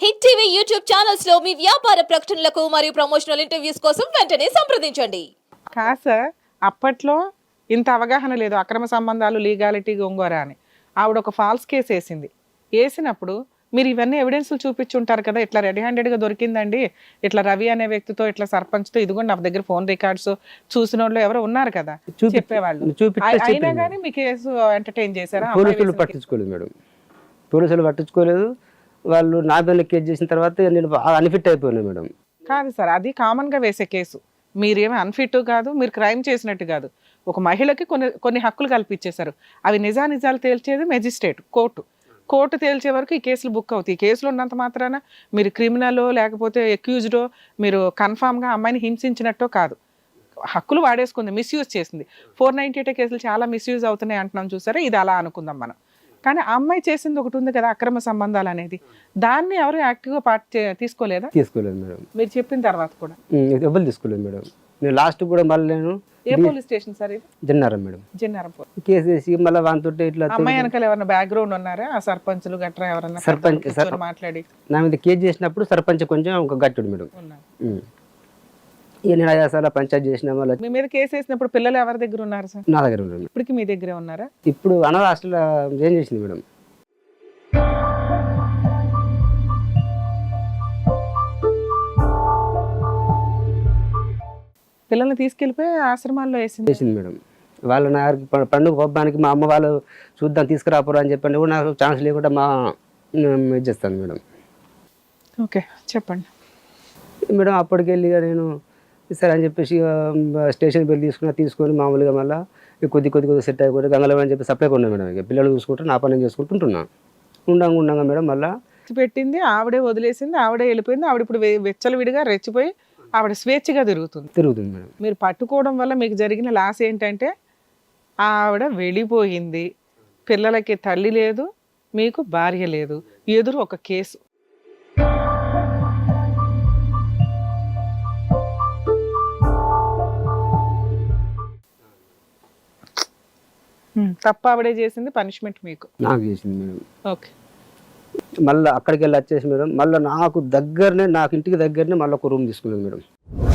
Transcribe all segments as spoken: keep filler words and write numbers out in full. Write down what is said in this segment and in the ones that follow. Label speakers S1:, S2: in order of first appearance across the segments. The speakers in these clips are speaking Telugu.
S1: హిట్ టీవీ యూట్యూబ్ ఛానల్స్ లో మీ వ్యాపార ప్రకటనలకు మరియు ప్రమోషనల్ ఇంటర్వ్యూస్ కోసం వెంటనే సంప్రదించండి.
S2: కాస అప్పట్లో ఇంత అవగాహన లేదు అక్రమ సంబంధాలు లీగాలిటీ గొంగోర అని. ఆవిడ ఒక ఫాల్స్ కేసు వేసింది. వేసినప్పుడు మీరు ఇవన్నీ ఎవిడెన్స్లు చూపించుంటారు కదా, ఇట్లా రెడీ హ్యాండెడ్గా దొరికిందండి, ఇట్లా రవి అనే వ్యక్తితో ఇట్లా సర్పంచ్తో ఇదిగోండి నా దగ్గర ఫోన్ రికార్డ్స్ చూసిన వాళ్ళు ఎవరో ఉన్నారు కదా చెప్పేవాళ్ళు. అయినా కానీ మీ కేసు ఎంటర్టైన్ చేశారా?
S3: పోలీసులు పట్టించుకోలేదు మేడం, పోలీసులు పట్టించుకోలేదు. వాళ్ళు నా పైన కేసు చేసిన తర్వాత నేను అన్ఫిట్ అయిపోయినా మేడం.
S2: కాదు సార్, అది కామన్గా వేసే కేసు. మీరేమీ అన్ఫిట్ కాదు, మీరు క్రైమ్ చేసినట్టు కాదు. ఒక మహిళకి కొన్ని కొన్ని హక్కులు కల్పించేశారు. అవి నిజానిజాలు తేల్చేది మెజిస్ట్రేట్, కోర్టు. కోర్టు తేల్చే వరకు ఈ కేసులు బుక్ అవుతాయి. ఈ కేసులు ఉన్నంత మాత్రాన మీరు క్రిమినలో లేకపోతే అక్యూజ్డో మీరు కన్ఫామ్గా అమ్మాయిని హింసించినట్టో కాదు. హక్కులు వాడేసుకుంది, మిస్యూజ్ చేసింది. ఫోర్ నైన్టీ ఎయిట్ కేసులు చాలా మిస్యూజ్ అవుతున్నాయి అంటున్నాం చూసారా, ఇది అలా అనుకుందాం మనం. కానీ ఆ అమ్మాయి చేసింది ఒకటి ఉంది కదా, అక్రమ సంబంధాలు అనేది, దాన్ని ఎవరు యాక్టివ్గా పార్ట్ తీసుకోలేదా?
S3: తీసుకోలేదు మేడం.
S2: మీరు చెప్పిన తర్వాత కూడా
S3: ఎవరు తీసుకోలేదు మేడం. నేను లాస్ట్ కూడా మళ్ళీ నేను
S2: ఏ పోలీస్ స్టేషన్ సార్ ఇది?
S3: జన్నారం మేడం.
S2: జన్నారం
S3: కేసు వేసి మళ్ళీ వాంతో ఇట్లా
S2: అమ్మాయి వెనకాల ఎవరైనా బ్యాక్గ్రౌండ్ ఉన్నారా? ఆ సర్పంచులు గట్రా ఎవరన్నా
S3: సర్పంచ్
S2: మాట్లాడి
S3: నా మీద కేసు చేసినప్పుడు సర్పంచ్ కొంచెం ఒక గట్టుడు మేడం. ఇక నేను ఐదు సార్లు పంచాయతీ చేసిన మళ్ళీ
S2: మీ మీద కేసు వేసినప్పుడు పిల్లలు ఎవరి దగ్గర ఉన్నారు సార్?
S3: నా దగ్గర ఉన్నారు.
S2: ఇప్పటికి మీ దగ్గరే ఉన్నారా?
S3: ఇప్పుడు అనాథ హాస్టల్ ఏం చేసింది మేడం.
S2: పిల్లల్ని తీసుకెళ్ళిపోయి ఆశ్రమాల్లో వేసింది
S3: వేసింది మేడం. వాళ్ళు నా పండుగ పబ్బానికి మా అమ్మ వాళ్ళు చూద్దాం తీసుకురాపోరు అని చెప్పండి కూడా నాకు ఛాన్స్ లేకుండా మా ఇది చేస్తాను మేడం.
S2: ఓకే చెప్పండి
S3: మేడం. అప్పటికి వెళ్ళి నేను సరే అని చెప్పేసి స్టేషన్ బిల్ తీసుకున్నా, తీసుకొని మామూలుగా మళ్ళీ కొద్ది కొద్ది కొద్ది సెట్ అయిపోయి గంగలో అని చెప్పి సప్లై కొన్నాను మేడం. ఇక పిల్లలు చూసుకుంటూ నా పని చేసుకుంటుంటున్నాను. ఉండంగా ఉండంగా మేడం మళ్ళీ
S2: పెట్టింది ఆవిడే, వదిలేసింది ఆవిడే, వెళ్ళిపోయింది ఆవిడ. ఇప్పుడు వెచ్చలవిడిగా రెచ్చిపోయి ఆవిడ స్వేచ్ఛగా తిరుగుతుంది
S3: తిరుగుతుంది మేడం.
S2: మీరు పట్టుకోవడం వల్ల మీకు జరిగిన లాస్ ఏంటంటే ఆవిడ వెళ్ళిపోయింది, పిల్లలకి తల్లి లేదు, మీకు భార్య లేదు, ఎదురు ఒక కేసు. తప్ప ఆవిడే చేసింది, పనిష్మెంట్ మీకు
S3: నాకు చేసింది మేడం.
S2: ఓకే.
S3: మళ్ళీ అక్కడికి వెళ్ళి వచ్చేసి మేడం మళ్ళీ నాకు దగ్గరనే, నాకు ఇంటికి దగ్గరనే మళ్ళీ ఒక రూమ్ తీసుకున్నాను మేడం.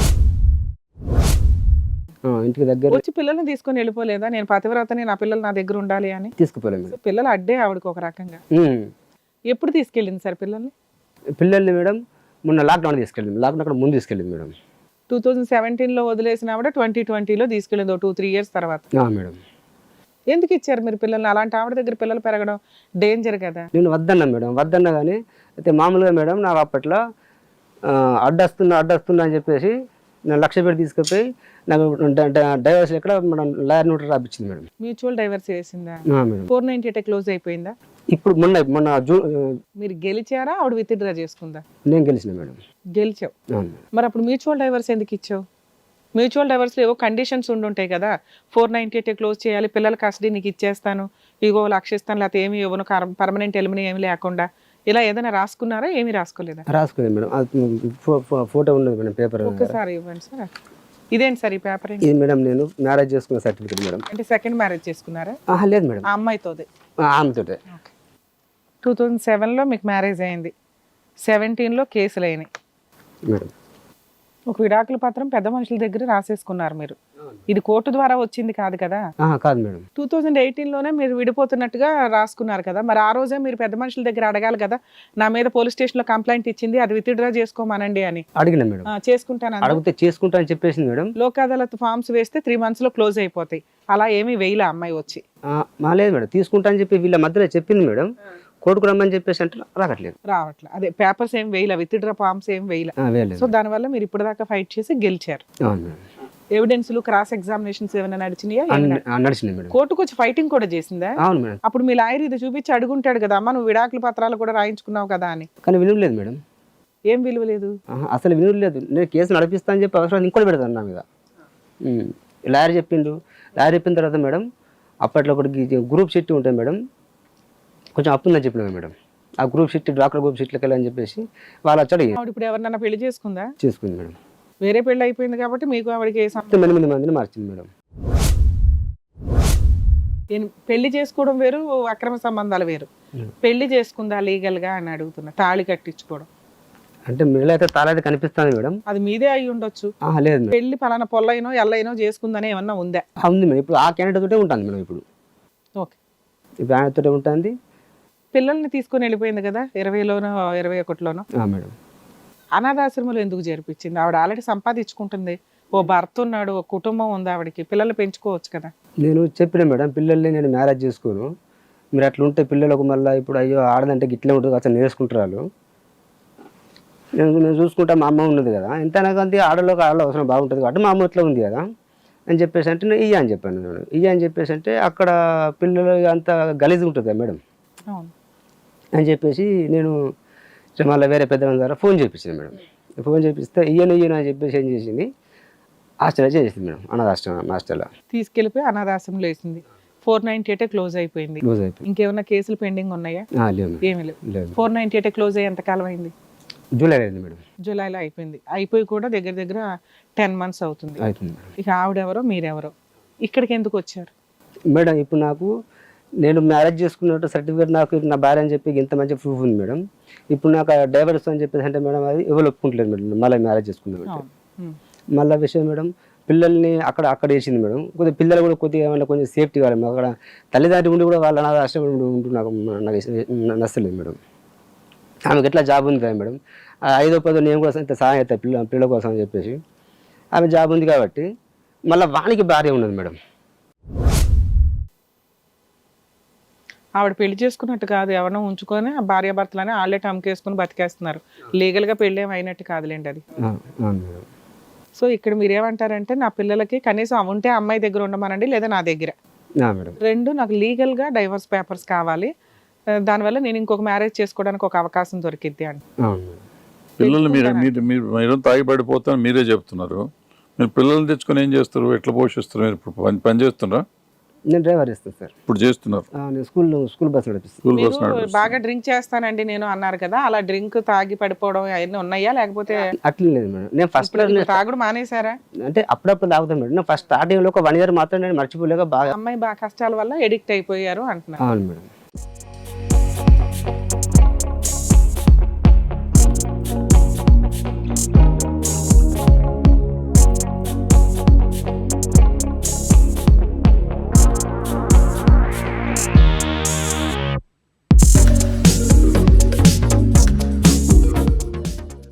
S3: ఇంటికి దగ్గర
S2: వచ్చి పిల్లల్ని తీసుకొని వెళ్ళిపోలేదా? నేను పతివ్రతని, నా పిల్లలు నా దగ్గర ఉండాలి అని
S3: తీసుకుపోలేదు మేడం.
S2: పిల్లలు అడ్డే ఆవిడకి ఒక రకంగా. ఎప్పుడు తీసుకెళ్ళింది సార్ పిల్లల్ని?
S3: పిల్లల్ని మేడం మొన్న లాక్డౌన్ తీసుకెళ్ళింది. లాక్డౌన్ అక్కడ ముందు తీసుకెళ్ళింది మేడం.
S2: టూ థౌజండ్ సెవెంటీన్లో వదిలేసిన ఆవిడ ట్వంటీ ట్వంటీలో తీసుకెళ్ళింది, టూ త్రీ ఇయర్స్ తర్వాత.
S3: మేడం
S2: ఎందుకు ఇచ్చారు మీరు పిల్లల్ని? అలాంటి ఆవిడ దగ్గర పిల్లలు పెరగడం డేంజర్ కదా.
S3: నేను వద్దన్నా మేడం, వద్దన్నా కానీ అయితే మామూలుగా మేడం నాకు అప్పట్లో అడ్డొస్తున్నా అడ్డొస్తున్నా అని చెప్పేసి నేను లక్ష పెట్టి తీసుకుపోయి నాకు డైవర్స్ ఎక్కడ మనం లాయర్ నోట్ రాపించింది మేడం.
S2: మ్యూచువల్ డైవర్స్ వేసిందా?
S3: Madam
S2: four ninety eight close అయిపోయిందా?
S3: ఇప్పుడు మొన్న మొన్న జూ
S2: మీరు గెలిచారా ఆవిడ విత్డ్రా చేసుకుందా?
S3: నేను గెలిచిన మేడం.
S2: గెలిచావు, మరి అప్పుడు మ్యూచువల్ డైవర్స్ ఎందుకు ఇచ్చావు? మ్యూచువల్ డైవర్స్లో ఏవో కండిషన్స్ ఉండుంటాయి కదా, ఫోర్ నైన్టీ ఎయిట్ క్లోజ్ చేయాలి, పిల్లల కస్టడీ నీకు ఇచ్చేస్తాను, ఇగో లక్ష ఇస్తాను, లేకపోతే ఏమి ఇవ్వను, పర్మనెంట్ ఎలిమిని ఏమి లేకుండా, ఇలా ఏదైనా రాసుకున్నారా? ఏమి రాసుకోలేదా?
S3: రాసుకోలేదు మేడం. ఫోటో ఉన్నది మేడం, పేపర్.
S2: ఒకసారి ఇవ్వండి సార్. ఇదేంటి సార్ ఈ పేపర్?
S3: ఇది మేడం నేను మ్యారేజ్ చేసుకున్న సర్టిఫికేట్ మేడం.
S2: అంటే సెకండ్ మ్యారేజ్ చేసుకున్నారా?
S3: లేదు మేడం,
S2: ఆ అమ్మాయితోదే.
S3: ఆమెతోటే.
S2: టూ థౌజండ్ సెవెన్లో మీకు మ్యారేజ్ అయింది, సెవెంటీన్లో కేసులు అయినాయి
S3: మేడం.
S2: ఒక విడాకుల పత్రం పెద్ద మనుషుల దగ్గర రాసేసుకున్నారు మీరు. ఇది కోర్టు ద్వారా వచ్చింది కాదు కదా?
S3: కాదు మేడం.
S2: టూ థౌజండ్ ఎయిటీన్లోనే మీరు విడిపోతున్నట్టుగా రాసుకున్నారు కదా, మరి ఆ రోజే మీరు పెద్ద మనుషుల దగ్గర అడగాలి కదా, నా మీద పోలీస్ స్టేషన్లో కంప్లైంట్ ఇచ్చింది, అది విత్డ్రా చేసుకోమనండి అని.
S3: అడిగిన మేడం.
S2: చేసుకుంటాను
S3: అడిగితే చేసుకుంటా అని చెప్పేసింది మేడం.
S2: లోక్ అదాలత్ ఫామ్స్ వేస్తే త్రీ మంత్స్ లో క్లోజ్ అయిపోతాయి, అలా ఏమీ వేయలే అమ్మాయి వచ్చి.
S3: లేదు మేడం, తీసుకుంటా అని చెప్పి వీళ్ళ మధ్యలో చెప్పింది మేడం. కోర్టుకు రమ్మని చెప్పేసి అంటే రావట్లేదు
S2: రావట్లేదు అదే పేపర్స్ ఏం వేయలే, విత్డ్రా ఫామ్స్ ఏం వేయలే. సో దానివల్ల మీరు ఇప్పటిదాకా ఫైట్ చేసి గెలిచారు. ఎవిడెన్స్లు, క్రాస్ ఎగ్జామినేషన్స్ ఏమైనా నడిచినాయా?
S3: నడిచినాయి మేడం.
S2: కోర్టుకు వచ్చి ఫైటింగ్ కూడా చేసిందా?
S3: అవును మేడం.
S2: అప్పుడు మీ లాయర్ ఇది చూపించి అడుగుంటాడు కదా, అమ్మ నువ్వు విడాకుల పత్రాలు కూడా రాయించుకున్నావు కదా అని.
S3: కానీ విలువలేదు మేడం.
S2: ఏం విలువ లేదు?
S3: అసలు విలువలేదు. నేను కేసు నడిపిస్తా అని చెప్పి అవసరం ఇంకోటి పెడతాను నా మీద. లాయర్ చెప్పిండు. లాయర్ చెప్పిన తర్వాత మేడం అప్పట్లో ఒకటి గ్రూప్ షీట్ ఉంటాయి మేడం, కొంచెం అప్పు ఉందని చెప్పినా మేడం. ఆ గ్రూప్ షీట్ డాక్టర్ గ్రూప్ షీట్లకి వెళ్ళని చెప్పేసి వాళ్ళు వచ్చాడు.
S2: ఇప్పుడు ఎవరినైనా పెళ్లి చేసుకుందా?
S3: చేసుకుంది మేడం.
S2: వేరే పెళ్లి అయిపోయింది కాబట్టి మీకు ఆవిడకి
S3: ఎనిమిది మందిని మార్చింది మేడం.
S2: పెళ్లి చేసుకోవడం వేరు, అక్రమ సంబంధాలు వేరు. పెళ్లి చేసుకుందా లీగల్ గా అని అడుగుతున్నా, తాళి కట్టించుకోవడం.
S3: అంటే మిడిల్ అయితే తాళ అయితే కనిపిస్తుంది మేడం.
S2: అది మీదే అయి ఉండొచ్చు.
S3: ఆహా, లేదు మేడం.
S2: పెళ్లి పలానా పొల్లైనో ఎల్లైనో చేసుకుందని ఏమన్నా ఉందా?
S3: ఆ, ఉంది మేడం. ఇప్పుడు ఆ క్యాండిడేట్ తోటే ఉంటుంది మేడం. ఇప్పుడు
S2: ఓకే.
S3: ఇప్పుడు ఆయన తోటే ఉంటుంది.
S2: పిల్లల్ని తీసుకొని వెళ్ళిపోయింది కదా ఇరవైలోనో ఇరవై ఒకటిలోనో.
S3: ఆ, మేడం.
S2: అనాథాశ్రమంలో ఎందుకు చేర్పించింది? ఆవిడ ఆల్రెడీ సంపాదించుకుంటుంది, ఓ భర్త ఉన్నాడు, ఒక కుటుంబం ఉంది ఆవిడకి, పిల్లల్ని పెంచుకోవచ్చు కదా.
S3: నేను చెప్పిన మేడం, పిల్లల్ని నేను మ్యారేజ్ చేసుకోను, మీరు అట్లా ఉంటే పిల్లలకు మళ్ళీ ఇప్పుడు అయ్యో ఆడదంటే గిట్లే ఉంటుంది అసలు నేర్చుకుంటారు వాళ్ళు, నేను నేను చూసుకుంటా, మా అమ్మ ఉన్నది కదా, ఎంతైనా కానీ ఆడలోకి ఆడలో అవసరం బాగుంటుంది కాబట్టి మా అమ్మ ఇట్లా ఉంది కదా అని చెప్పేసి అంటే నేను ఇయ్య అని చెప్పాను. నేను ఇయ్య అని చెప్పేసి అంటే అక్కడ పిల్లలు అంత గలీజ్ ఉంటుంది కదా మేడం
S2: అవును
S3: అని చెప్పేసి నేను మళ్ళీ వేరే పెద్దవాళ్ళ ద్వారా ఫోన్ చేయించాను మేడం. ఫోన్ చేపిస్తే ఇయ్యను ఇయ్యను అని చెప్పేసి ఏం చేసింది, హాస్టల్ చేసింది మేడం, అనాథాశ్రమం హాస్టల్లో
S2: తీసుకెళ్ళిపోయి అనాథాశ్రమంలో వేసింది. ఫోర్ నైన్టీ ఎయిటే క్లోజ్ అయిపోయింది.
S3: క్లోజ్ అయిపోయింది.
S2: ఇంకేమన్నా కేసులు పెండింగ్ ఉన్నాయా?
S3: ఆ, లేవు మేడం.
S2: ఏమీ లేవు.
S3: లేదు.
S2: ఫోర్ నైన్టీ ఎయిటే క్లోజ్ అయ్యి ఎంతకాలం అయింది?
S3: జూలై అయింది మేడం.
S2: జూలైలో అయిపోయింది. అయిపోయి కూడా దగ్గర దగ్గర టెన్ మంత్స్ అవుతుంది.
S3: అవుతుంది మేడం.
S2: ఇక ఆవిడెవరో మీరెవరో ఇక్కడికి ఎందుకు వచ్చారు?
S3: మేడం ఇప్పుడు నాకు నేను మ్యారేజ్ చేసుకున్నట్టు సర్టిఫికేట్ నాకు నా భార్య అని చెప్పి ఇంత మంచి ప్రూఫ్ ఉంది మేడం. ఇప్పుడు నాకు డైవర్స్ అని చెప్పేసి అంటే మేడం అది ఎవరు ఒప్పుకుంటలేదు మేడం. మళ్ళీ మ్యారేజ్ చేసుకున్నాం అంటే
S2: అవును. ఉమ్.
S3: మళ్ళీ విషయం మేడం, పిల్లల్ని అక్కడ అక్కడ వేసింది మేడం. కొద్దిగా పిల్లలు కూడా కొద్దిగా ఏమన్నా కొంచెం సేఫ్టీ కావాలి. అక్కడ తల్లిదండ్రులు ఉండి కూడా వాళ్ళ అనాథ ఆశ్రమం ఉంటూ నాకు నాకు నచ్చలేదు మేడం. ఆమెకి ఎట్లా జాబ్ ఉంది కదా మేడం, ఆ ఐదో పదో నేను కూడా ఇంత సహాయం అవుతాయి పిల్ల పిల్లల కోసం అని చెప్పేసి ఆమె జాబ్ ఉంది కాబట్టి మళ్ళీ వానికి భార్య ఉన్నది మేడం.
S2: ఆవిడ పెళ్లి చేసుకున్నట్టు కాదు, ఎవరినో ఉంచుకొని ఆ భార్యాభర్తలని ఆల్రెడీ అమ్మకేసుకుని బతికేస్తున్నారు. లీగల్గా పెళ్ళి ఏమి అయినట్టు కాదులేండి అది.
S3: ఆ, అవును మేడం.
S2: సో ఇక్కడ మీరు ఏమంటారంటే నా పిల్లలకి కనీసం ఉంటే అమ్మాయి దగ్గర ఉండమనండి, లేదా నా దగ్గర,
S3: ఆ, మేడం.
S2: రెండు నాకు లీగల్గా డైవర్స్ పేపర్స్ కావాలి, ఆ, దానివల్ల నేను ఇంకొక మ్యారేజ్ చేసుకోవడానికి ఒక అవకాశం దొరికిద్ది అండి.
S3: అవును మేడం.
S4: పిల్లల్ని మీరు మీరు మీరు మీరు తాగి పడిపోతాను మీరే చెప్తున్నారు. మీరు పిల్లల్ని తెచ్చుకొని ఏం చేస్తారు, ఎట్లా పోషిస్తారు? మీరు ఇప్పుడు పని పని చేస్తున్నారా?
S3: నేను డ్రైవర్ ఇస్తాను సార్.
S4: ఇప్పుడు చేస్తున్నారు.
S3: ఆ, నేను స్కూల్ స్కూల్ బస్ నడిపిస్తాను.
S4: స్కూల్
S2: మీరు
S4: బస్ నడిపిస్తారు.
S2: బాగా డ్రింక్ చేస్తానండి నేను అన్నారు కదా, అలా డ్రింక్ తాగి పడిపోవడం అవన్నీ ఉన్నాయా? లేకపోతే
S3: అట్లా లేదు మేడం. నేను ఫస్ట్
S2: ఇప్పుడు తాగుడు మానేశారా?
S3: అంటే అప్పుడప్పుడు తాగుతాను మేడం. నేను ఫస్ట్ స్టార్టింగ్లో ఒక వన్ ఇయర్ మాత్రం నేను మర్చిపోలేక బాగా.
S2: అమ్మాయి బాగా కష్టాల వల్ల ఎడిక్ట్ అయిపోయారు అంటున్నారు.
S3: అవును మేడం.